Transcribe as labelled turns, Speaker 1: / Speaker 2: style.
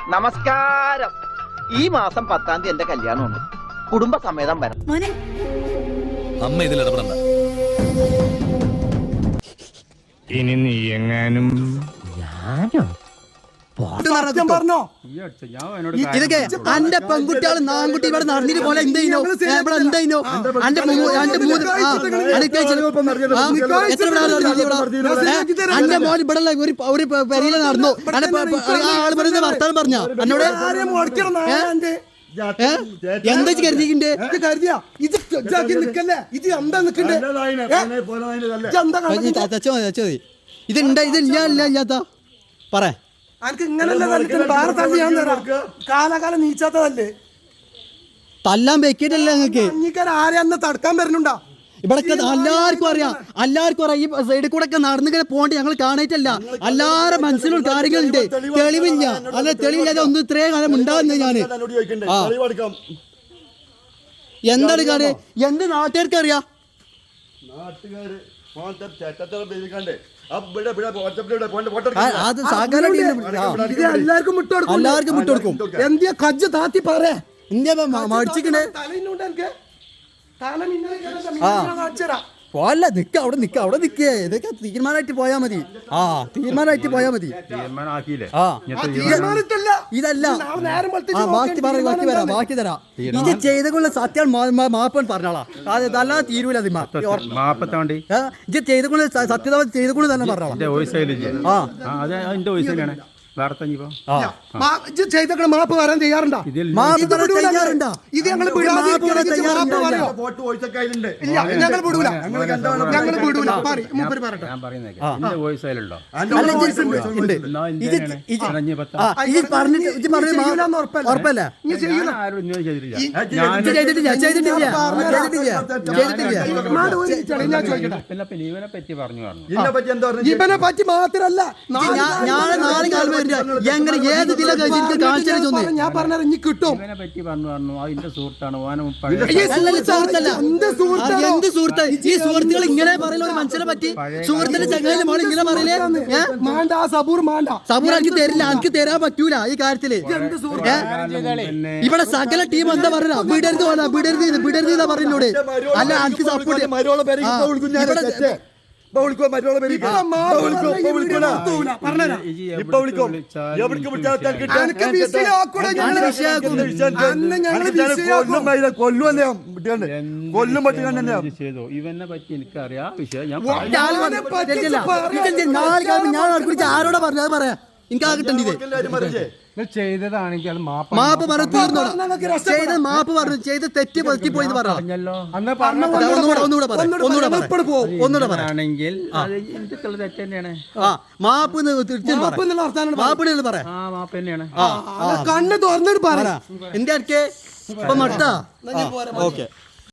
Speaker 1: നമസ്കാരം. ഈ മാസം 10-ാം തീയതി എന്റെ കല്യാണമുണ്ട്. കുടുംബസമേതം വരണം.
Speaker 2: അമ്മ ഇതിൽ ഇടപെടണ്ട.
Speaker 3: ഇനി നീ എങ്ങാനും
Speaker 4: ഇതൊക്കെ അന്റെ പെൺകുട്ടികൾ നാൻകുട്ടി ഇവിടെ നടന്നിട്ട് പോലെ എന്തോ ഇവിടെ എന്തോ അന്റെ മോൻ ഇവിടെ ഒരു പെരിയില നടന്നു ആള് പറയുന്ന വർത്താനം പറഞ്ഞ എന്നോട് എന്താ കരുതിന്റെ ഇത് ഇല്ലാത്ത പറ
Speaker 5: കാലാകാലം നീച്ചാത്തതല്ലേ
Speaker 4: തല്ലാൻ വെക്കിട്ടല്ലേ നിങ്ങൾക്ക്
Speaker 5: ആരെന്ന് തടുക്കാൻ വരുന്നുണ്ടോ
Speaker 4: ഇവിടെ എല്ലാവർക്കും അറിയാം ഈ സൈഡിൽ കൂടെ ഒക്കെ നടന്നിങ്ങനെ പോകേണ്ട ഞങ്ങൾ കാണായിട്ടല്ല എല്ലാവരുടെ മനസ്സിലുള്ള കാര്യങ്ങളുണ്ട് തെളിവില്ല അല്ല തെളിവില്ലാതെ ഒന്നും ഇത്രയും കാലം ഉണ്ടാകുന്നത് ഞാന് എന്താണ് കാര്യം എന്ത് നാട്ടുകാർക്ക് അറിയാം
Speaker 5: എല്ലാവർക്കും
Speaker 4: വിട്ടുകൊടുക്കും
Speaker 5: എന്തിയാ കജ്ജ് താത്തി പറയാ
Speaker 4: ഇന്ത്യ മടിച്ചിക്കണേ പോലെ നിക്ക അവിടെ നിക്കേ ഇതൊക്കെ തീരുമാനമായിട്ട് പോയാ മതി തീരുമാനമായിട്ട് പോയാ മതി ഇതല്ല ബാക്കി തരാം ഇത് ചെയ്തുകൊള്ള സത്യം മാപ്പൻ പറഞ്ഞോളാം അതല്ലാതെ തീരൂല ഇത് ചെയ്തുകൊണ്ട് സത്യത ചെയ്തുകൊണ്ട് തന്നെ പറഞ്ഞോളാം
Speaker 5: മാപ്പ് വരാൻ തയ്യാറുണ്ടോ ഇത് ഞങ്ങൾ
Speaker 4: ഉറപ്പല്ലേ
Speaker 5: ഇവനെ പറ്റി മാത്രല്ല
Speaker 4: നാളെ കാലം എങ്ങനെ ഏത് ജില്ല
Speaker 5: ഞാൻ പറഞ്ഞ ഇനി കിട്ടും
Speaker 4: എന്ത് സുഹൃത്ത് ഈ സുഹൃത്തുക്കൾ ഇങ്ങനെ പറയുന്ന ഒരു മനുഷ്യനെ പറ്റി സുഹൃത്തിന്റെ ചങ്ങായിലെ മോൾ ഇങ്ങനെ പറയില്ലേ സബൂർ എനിക്ക് തരില്ല എനിക്ക് തരാൻ പറ്റൂല ഈ കാര്യത്തില് ഇവിടെ സകല ടീം എന്താ പറയാ വിടരുത് എന്നാ പറയുന്നോട് അല്ല എനിക്ക് സപ്പോർട്ട്
Speaker 3: ഇവനെ പറ്റി എനിക്കറിയാം വിഷയം
Speaker 4: ഞാൻ ആരോടാ പറഞ്ഞത് പറയാ എനിക്ക് ആ കിട്ടണ്ടേ
Speaker 3: ചെയ്തതാണെങ്കിൽ
Speaker 4: മാപ്പ് പറഞ്ഞു തീർന്നോളാം മാപ്പ് പറഞ്ഞു ചെയ്ത് തെറ്റ് പറ്റിപ്പോയി
Speaker 3: പറഞ്ഞല്ലോ
Speaker 4: ഒന്നുകൂടെ പറയാണെങ്കിൽ മാപ്പ് പറയാം
Speaker 5: കണ്ണ് തുറന്നിട്ട് പറ
Speaker 4: എന്റെ അടുക്കെ ഇപ്പൊ മട്ടാ ഓക്കെ